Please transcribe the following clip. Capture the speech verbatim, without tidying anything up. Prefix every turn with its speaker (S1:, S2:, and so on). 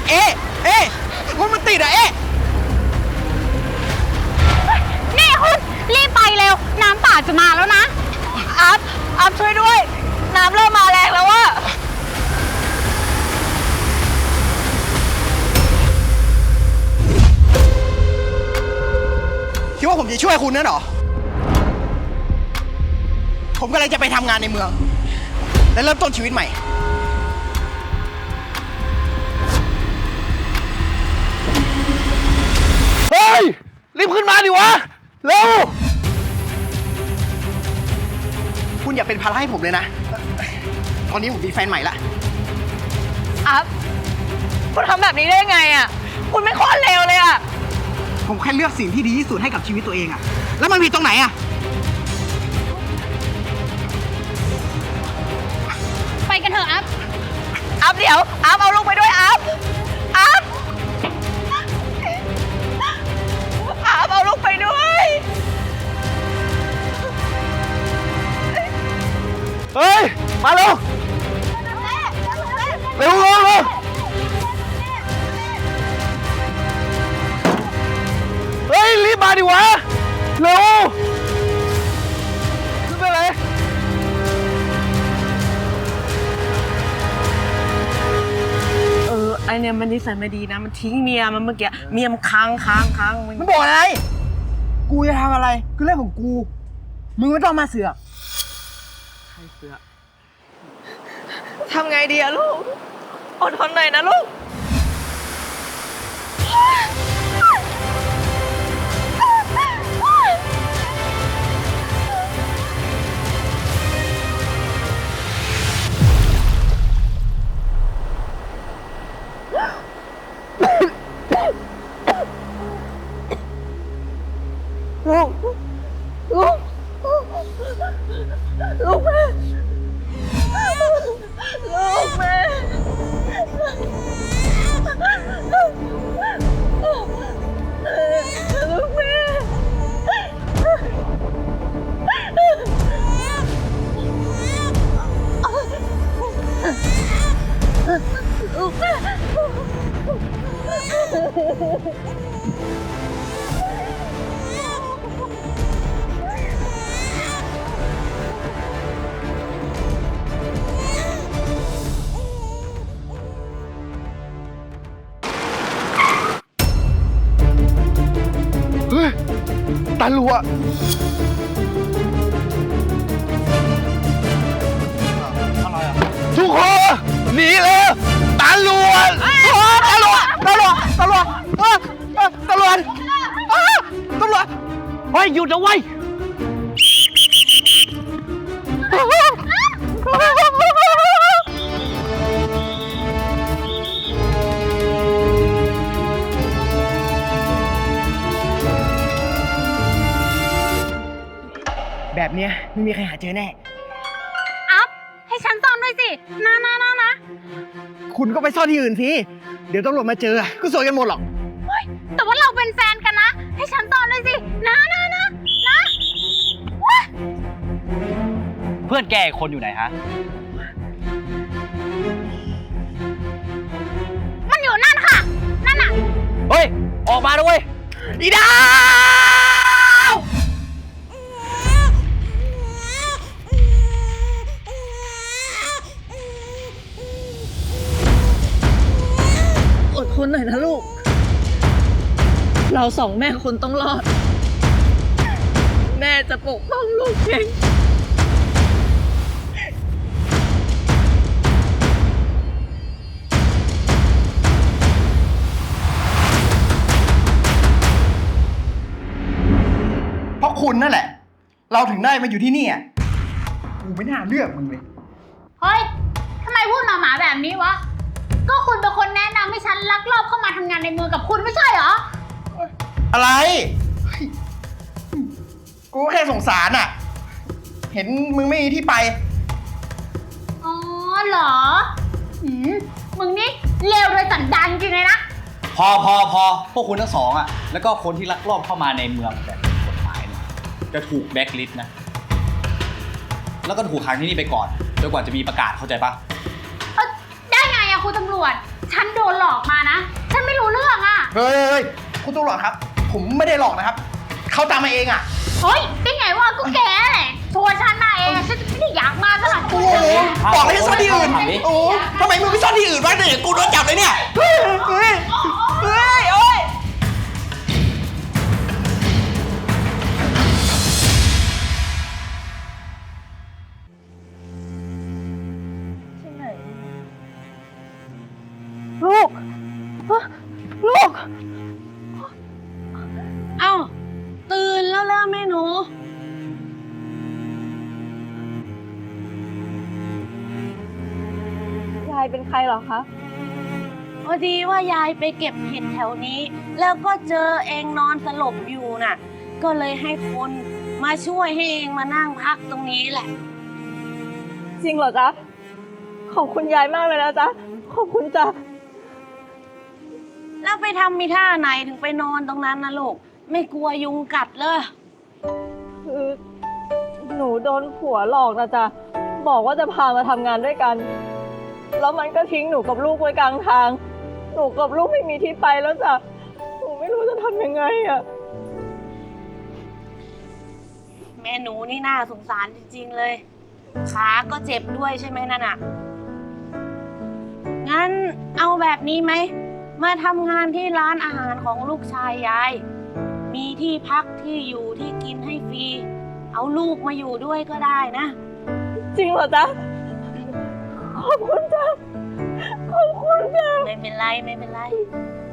S1: เอ๊ะเอ๊ะรถมันติดอะเอ๊ะ
S2: นี่คุณรีบไปเร็วน้ำป่าจะมาแล้วนะอัพอัพช่วยด้วยน้ำเริ่มมาแรงแล้วอะ
S1: คิดว่าผมจะช่วยคุณนั่นหรอผมกำลังจะไปทำงานในเมืองและเริ่มต้นชีวิตใหม่
S3: เฮ้ยรีบขึ้นมาดิวะเร็ว
S1: คุณอย่าเป็นภาระให้ผมเลยนะตอนนี้ผมมีแฟนใหม่ละ
S2: อัพคุณทำแบบนี้ได้ไงอะคุณไม่โคตรเลวเลยอะ
S1: ผมแค่เลือกสิ่งที่ดีที่สุดให้กับชีวิตตัวเองอะแล้วมันผิดตรงไหนอะ
S2: ไปกันเถอะอัพอัพเดี๋ยวอัพเอาลูกไปด้วยอัพอัพอัพเอาลูกไปด้วย
S3: เฮ้ยมาเร็วเร็วเร็วเร็วเฮ้ยรีบมาดิวะเร็วขึ้นไปเลย
S4: เออไอเนี่ยมันนิสัยไม่ดีนะมันทิ้งเมียมันเมื่อกี้เมียมันค้างค้างค้างมัน
S1: มันบอกอะไรกูจะทำอะไรคือเรื่องของกูมึงไม่ต้องมาเสือก
S4: ใครเสือ
S2: ทำไงดีอะลูกอดทนหน่อยนะลูกลูกลูกลูกแม่ลูกแม่ลูกแม่ลูกแม่
S3: เฮ้ยตาลัวทุกคนหนีเลยตาลัวตาลัวตาลัวตาลัวตาลัวตาลัวเฮ้ยหยุดนะเว้ย
S1: แบบเนี้ยไม่มีใครหาเจอแน่
S2: อัพให้ฉันซ่อนด้วยสินะนะนะนะ
S1: คุณก็ไปซ่อนที่อื่นสิเดี๋ยวตำรวจมาเจอก็สวยกันหมดหรอก
S2: เฮ้ยแต่ว่าเราเป็นแฟนกันนะให้ฉันซ่อนด้วยสินะนะนะนะว้า
S5: เพื่อนแกอีกคนอยู่ไหนฮะ
S2: มันอยู่นั่นค่ะนั่นน่ะ
S5: เฮ้ย ออกมาด้วย
S1: อีดาว
S4: อดทนหน่อยนะลูกเราสองแม่คนต้องรอดแม่จะปกป้องลูกเอง
S1: เพราะคุณนั่นแหละเราถึงได้มาอยู่ที่นี่อ่ะกูไม่น่าเลือกมึงเลย
S2: เฮ้ยทำไมพูดหมาหมาแบบนี้วะก็คุณเป็นคนแนะนำให้ฉันลักลอบเข้ามาทำงานในเมืองกับคุณไม่ใช่เหรอ
S1: อะไรเฮ้ยกูแค่สงสารอ่ะเห็นมึงไม่มีที่ไป
S2: อ๋อเหรอหืมมึงนี่เลวโดยสันดานจริงเลยนะ
S5: พอพอพอพวกคุณทั้งสองอ่ะ แล้วก็คนที่ลักลอบเข้ามาในเมืองแบบผิดกฎหมายเนี่ยจะถูกแบล็คลิสต์นะ แล้วก็ถูกขังที่นี่ไปก่อนจนกว่าจะมีประกาศเข้าใจปะ
S2: เอ้ยได้ไงอะคุณตำรวจฉันโดนหลอกมานะ ฉันไม่รู้เรื่องอะ
S1: เฮ้ยเฮ้ยคุณตำรวจครับ ผมไม่ได้หลอกนะครับ เขาตามมาเองอ่ะ
S2: เฮ้ยได้ไงวะก็แกแหละชวนฉันมาเองฉันไม่ได้อยากมาซะหน่อย
S1: โอ้โหบอกให้ซ่อนที่อื่น โอ้โหทำไมมึงไม่ซ่อนที่อื่นวะเนี่ยกูโดนจับเลยเนี่ย เฮ้ย เฮ้ย เฮ้ย โอ้ย
S4: ลูกฮะลูก
S6: เอ้า ตื่นแล้วล่ะแม่หนู
S4: ยายเป็นใครเหรอคะ
S6: พอดีว่ายายไปเก็บเห็ดแถวนี้ แล้วก็เจอเองนอนสลบอยู่น่ะ ก็เลยให้คนมาช่วยให้เองมานั่งพักตรงนี้แหละ
S4: จริงเหรอจ๊ะ ขอบคุณยายมากเลยนะจ๊ะ ขอบคุณจ้ะ
S6: แล้วไปทำมีท่าไหนถึงไปนอนตรงนั้นนะลูก ไม่กลัวยุงกัดเลย
S4: คือหนูโดนผัวหลอกนะจ๊ะ บอกว่าจะพามาทำงานด้วยกัน แล้วมันก็ทิ้งหนูกับลูกไว้กลางทาง หนูกับลูกไม่มีที่ไปแล้วจ้ะ หนูไม่รู้จะทำยังไงอะ
S6: แม่หนูนี่น่าสงสารจริงๆเลย ขาก็เจ็บด้วยใช่ไหมนั่นน่ะ งั้นเอาแบบนี้ไหม มาทำงานที่ร้านอาหารของลูกชายยาย มีที่พักที่อยู่ที่กินให้ฟรี เอาลูกมาอยู่ด้วยก็ได้นะ
S4: จริงเหรอจ๊ะ ขอบคุณจ้ะ ขอบคุณจ้ะ
S6: ไม่เป็นไรไม่เป็นไร
S4: ข